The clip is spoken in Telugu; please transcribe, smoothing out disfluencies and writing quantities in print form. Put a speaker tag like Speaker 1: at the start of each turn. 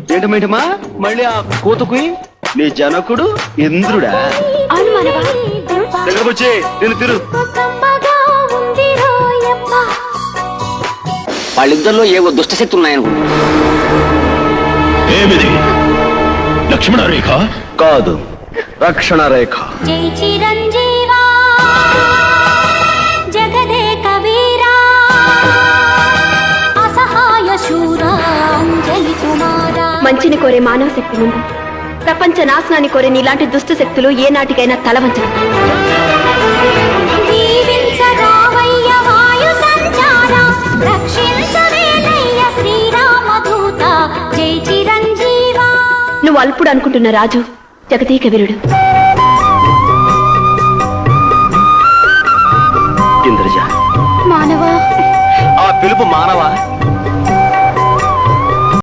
Speaker 1: ఏంటమేంటమా మళ్ళీ ఆ కూతుకుయి నీ జనకుడు ఇంద్రుడా?
Speaker 2: అవును మానవా.
Speaker 1: దగ్గరకు వచ్చి నేను తిరు.
Speaker 3: వాళ్ళిద్దరిలో ఏవో దుష్టశక్తులు ఉన్నాయనుకుంటా.
Speaker 4: ఏమిది లక్ష్మణ రేఖ
Speaker 1: కాదు, రక్షణ రేఖ.
Speaker 2: జై చిరంజీవా జగదే కవీరా అసహాయ శూరా అంజలి కుమారా. మంచిని కోరే మానవ శక్తి ముందు ప్రపంచ నాశనాన్ని కోరే నీలాంటి దుష్ట శక్తులు ఏ నాటికైనా తలవంచవు. నువ్వు అల్పుడు అనుకుంటున్న రాజు జగదీక వీరుడు.
Speaker 1: ఇంద్రజ
Speaker 2: మానవా.
Speaker 1: ఆ పిలుపు మానవా